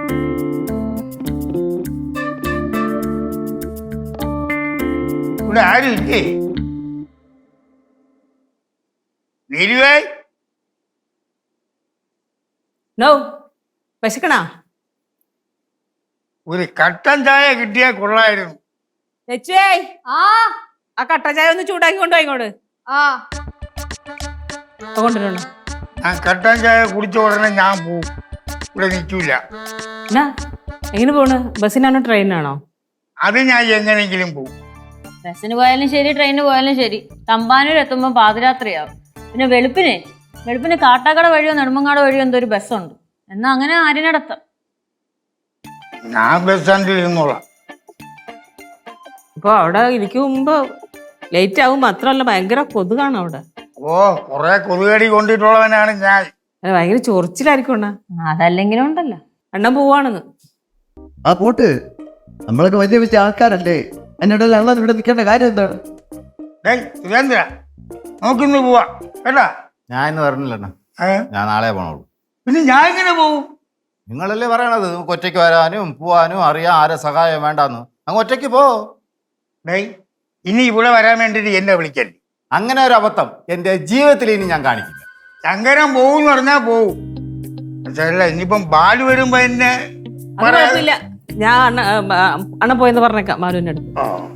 ഇവിടെ ആരും ഇല്ലേ? നീലുവേ, നോ വിശക്കണാ? ഒരു കട്ടൻ ചായ കിട്ടിയാൽ കൊള്ളായിരുന്നു. ലച്ചുവേ, ആ കട്ടൻ ചായ ഒന്ന് ചൂടാക്കി കൊണ്ടുപോയി ഇങ്ങോട്ട്. കൊണ്ടുവരണം. ഞാൻ കട്ടൻ ചായ കുടിച്ച ഉടനെ ഞാൻ പോവും, ഇവിടെ നിൽക്കൂല. എന്നാ എങ്ങനെ പോണ്? ബസ്സിനാണോ ട്രെയിനാണോ? അത് ഞാൻ എങ്ങനെയെങ്കിലും പോവും. ബസ്സിന് പോയാലും ശരി ട്രെയിനിന് പോയാലും ശരി തമ്പാനൂർ എത്തുമ്പോൾ പാതിരാത്രിയാവും. പിന്നെ വെളുപ്പിന് കാട്ടാക്കട വഴിയോ നെടുമങ്ങാട് വഴിയോ എന്തോ ഒരു ബസ്സുണ്ട്. എന്നാ അങ്ങനെ ആരിനടത്താം. ഞാൻ ബസ് സ്റ്റാൻഡിൽ ഇരുന്നോളാം. അപ്പൊ അവിടെ ഇരിക്കും മുമ്പ് ലേറ്റ് ആവും. മാത്രമല്ല ഭയങ്കര കൊതുകാണ് അവിടെ. ഓ, കൊറേ കൊതുകടി കൊണ്ടിട്ടുള്ളവനാണ് ഞാൻ. ഭയങ്കര ചൊറിച്ചിലായിരിക്കും. അതല്ലെങ്കിലും ഉണ്ടല്ലോ. എണ്ണം പോവാണെന്ന്. ആ പോട്ട്, നമ്മളൊക്കെ വലിയ വലിയ ആൾക്കാരല്ലേ, എന്നോടല്ല അണ്ണൻ ഇവിടെ നിൽക്കേണ്ട കാര്യം എന്താണ്? സുരേന്ദ്ര, നോക്കിന്ന് പോവാ കേട്ടാ. ഞാൻ ഇന്ന് പറഞ്ഞില്ലണ്ണ, ഞാൻ നാളെ പോണുള്ളൂ. പിന്നെ ഞാൻ ഇങ്ങനെ പോവും? നിങ്ങളല്ലേ പറയണത് നമുക്ക് ഒറ്റയ്ക്ക് വരാനും പോവാനും അറിയാം, ആരെ സഹായം വേണ്ടാന്ന്. അങ്ങ് ഒറ്റയ്ക്ക് പോ. ഇനി ഇവിടെ വരാൻ വേണ്ടിട്ട് എന്നെ വിളിക്കല്ലേ. അങ്ങനെ ഒരു അബദ്ധം എന്റെ ജീവിതത്തിൽ ഇനി ഞാൻ കാണിക്കില്ല. ശങ്കരൻ പോവും പറഞ്ഞാ പോവും. പക്ഷല്ല ഇനിയിപ്പം ബാലു വരുമ്പോ എന്നെ കുഴപ്പമില്ല, ഞാൻ അണ്ണ പോയെന്ന് പറഞ്ഞേക്കാം മാലുവിന്റെ അടുത്ത്.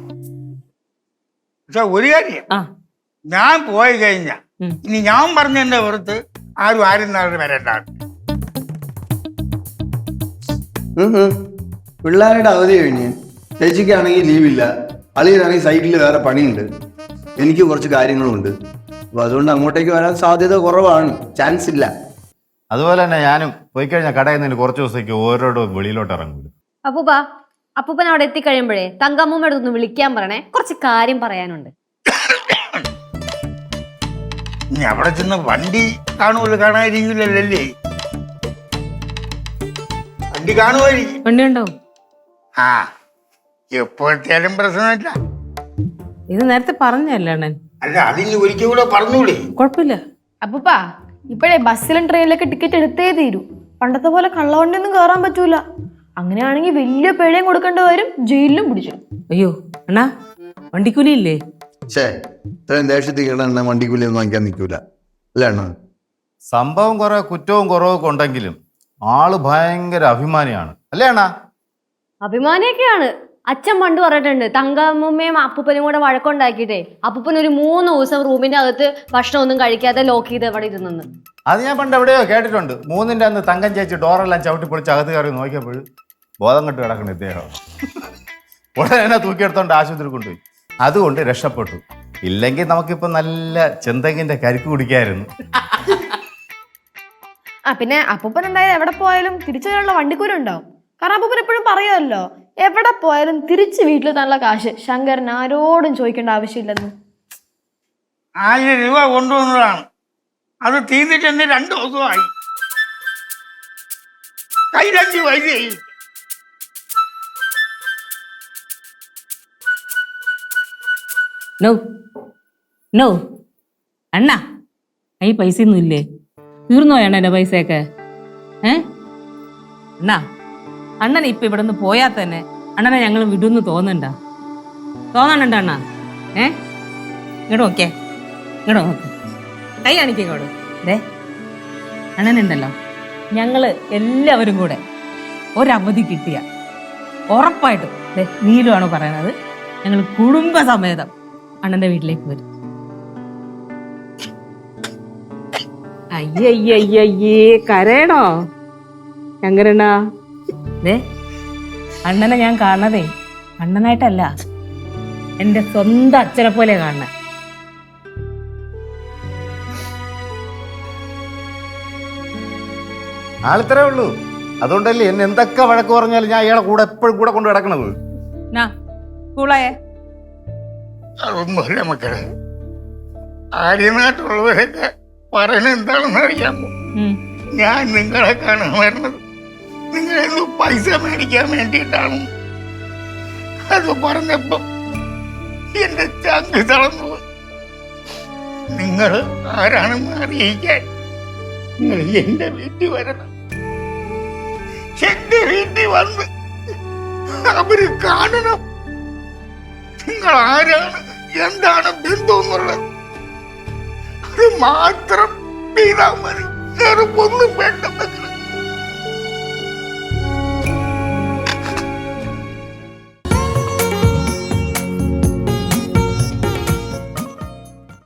പക്ഷെ ഒരു കാര്യം, ഞാൻ പോയി കഴിഞ്ഞ ഇനി ഞാൻ പറഞ്ഞതിന്റെ പുറത്ത് ആരും നാളെ വരണ്ടാണ്. പിള്ളേരുടെ അവധി കഴിഞ്ഞ് ചേച്ചിക്കാണെങ്കിൽ ലീവില്ല, അളിയനാണെങ്കിൽ സൈറ്റിൽ വേറെ പണിയുണ്ട്, എനിക്ക് കുറച്ച് കാര്യങ്ങളുണ്ട്. അപ്പൊ അതുകൊണ്ട് അങ്ങോട്ടേക്ക് വരാൻ സാധ്യത കുറവാണ്, ചാൻസ് ഇല്ല. അതുപോലെ തന്നെ ഞാനും പോയി കഴിഞ്ഞാൽ കടയിൽ നിന്ന് കുറച്ച് ദിവസത്തേക്ക് ഓരോരോ വെളിയിലോട്ട് ഇറങ്ങൂല. അപ്പൂപ്പൻ അവിടെ എത്തിക്കഴിയുമ്പോഴേ തങ്കമ്മൂമ്മ അടുത്തൊന്ന് വിളിക്കാൻ പറയണേ, കുറച്ച് കാര്യം പറയാനുണ്ട്. ഇനി അവിടെ ചെന്ന് വണ്ടി കാണാതിരിക്കില്ലല്ലേ? വണ്ടി കാണുമായിരിക്കും. വണ്ടി ഉണ്ടാവും. ആ, എപ്പോഴത്തേലും പ്രശ്നമില്ല. ഇത് നേരത്തെ പറഞ്ഞല്ലേ അണ്ണൻ? അല്ല, അതിന് ഒരിക്കൽ കൂടെ പറഞ്ഞൂടെ? കുഴപ്പമില്ല. അപ്പൂപ്പാ, ഇപ്പോഴേ ബസ്സിലും ട്രെയിനിലൊക്കെ ടിക്കറ്റ് എടുത്തേ തീരൂ. പണ്ടത്തെ പോലെ കള്ളവണ്ടിയൊന്നും കയറാൻ പറ്റൂല. അങ്ങനെയാണെങ്കിൽ വലിയ പിഴയും കൊടുക്കേണ്ടി വരും, ജയിലിലും പിടിച്ചു. അയ്യോ അണ്ണാ, വണ്ടിക്കൂലി ഇല്ലേ? ഇത്രയും ദേശത്തേക്ക് വണ്ടിക്കൂലി ഒന്നും വാങ്ങിക്കാൻ നിൽക്കൂല അല്ലേ അണ്ണ? സംഭവം കുറെ കുറ്റവും കുറവൊക്കെ ഉണ്ടെങ്കിലും ആള് ഭയങ്കര അഭിമാനിയാണ് അല്ലേ അണ്ണാ? അഭിമാനിയൊക്കെയാണ്. അച്ഛൻ പണ്ട് പറഞ്ഞിട്ടുണ്ട്, തങ്കമ്മയും അപ്പൂപ്പനും കൂടെ വഴക്കുണ്ടാക്കിയിട്ടേ അപ്പൂപ്പൻ ഒരു 3 ദിവസം റൂമിന്റെ അകത്ത് ഭക്ഷണം ഒന്നും കഴിക്കാതെ ലോക്ക് ചെയ്ത് എവിടെ ഇരുന്നെന്ന്. അത് ഞാൻ പണ്ട് എവിടെയോ കേട്ടിട്ടുണ്ട്. 3ന്റെ അന്ന് തങ്കം ചേച്ചി ഡോറെല്ലാം ചവിട്ടി പൊളിച്ച് അകത്ത് കയറി നോക്കിയപ്പോഴും ബോധം കെട്ട് കിടക്കണ ഇദ്ദേഹം. ഉടനെ തൂക്കിയെടുത്തോണ്ട് ആശുപത്രി കൊണ്ടുപോയി. അതുകൊണ്ട് രക്ഷപ്പെട്ടു. ഇല്ലെങ്കിൽ നമുക്കിപ്പോ നല്ല ചെന്തെങ്ങിന്റെ കരിക്ക് കുടിക്കായിരുന്നു. പിന്നെ അപ്പൂപ്പൻ എന്തായാലും എവിടെ പോയാലും തിരിച്ചു വരാനുള്ള വണ്ടിക്കൂലി ഉണ്ടാവും. കാരണം അപ്പൂപ്പൻ എപ്പോഴും പറയുമല്ലോ, എവിടെ പോയാലും തിരിച്ച് വീട്ടിൽ തന്നുള്ള കാശ് ശങ്കരൻ ആരോടും ചോദിക്കേണ്ട ആവശ്യമില്ലെന്ന്. 1000 രൂപ കൊണ്ടുവന്നതാണ്. അത് തീർന്നിട്ട് തന്നെ 2 ദിവസമായി. കയ്യിലഞ്ച് പൈസ. നോ അണ്ണാ, ഈ പൈസ ഒന്നും ഇല്ലേ? തീർന്നു പോയാണ് എന്റെ പൈസയൊക്കെ. അണ്ണാ, അണ്ണനെ ഇപ്പൊ ഇവിടെ നിന്ന് പോയാൽ തന്നെ അണ്ണനെ ഞങ്ങൾ വിടുന്ന് തോന്നണ്ട അണ്ണാ? ഇങ്ങോട്ട് നോക്കിയേ, ഇങ്ങോട്ട് നോക്ക്, കൈ കാണിക്കോട്. അണ്ണനുണ്ടല്ലോ, ഞങ്ങള് എല്ലാവരും കൂടെ ഒരവധി കിട്ടിയ ഉറപ്പായിട്ടും നീലുവാണോ പറയണത്, ഞങ്ങൾ കുടുംബസമേതം അണ്ണന്റെ വീട്ടിലേക്ക് വരും. അയ്യയ്യയ്യേ, കരയണോ ശങ്കരണ്ണാ? അണ്ണനെ ഞാൻ കാണണതേ അണ്ണനായിട്ടല്ല, എന്റെ സ്വന്തം അച്ഛനെ പോലെ കാണണ. ആളിത്രേ ഉള്ളൂ. അതുകൊണ്ടല്ലേ എന്നെ എന്തൊക്കെ വഴക്ക് പറഞ്ഞാലും ഞാൻ ഇയാളെ കൂടെ എപ്പോഴും കൂടെ കൊണ്ട് കിടക്കണത്. അതൊന്നുമല്ല മക്കളെ, ആര്യനാട്ടുള്ളവരൊക്കെ പറയണ എന്താണെന്ന് അറിയാമോ? ഞാൻ നിങ്ങളെ കാണാൻ വരുന്നത് നിങ്ങളെന്ന് പൈസ മേടിക്കാൻ വേണ്ടിയിട്ടാണ്. അത് പറഞ്ഞപ്പോ എന്റെ ചങ്ക് തളർന്നു. നിങ്ങൾ ആരാണെന്ന് അറിയിക്കാൻ നിങ്ങൾ എന്റെ വീട്ടിൽ വരണം. എന്റെ വീട്ടിൽ വന്ന് അവര് കാണണം. നിങ്ങൾ ആരാണ്, എന്താണ് ബന്ധം എന്നുള്ളത് അത് മാത്രം ചെയ്താൽ മതി. വേറെ ഒന്നും വേണ്ട.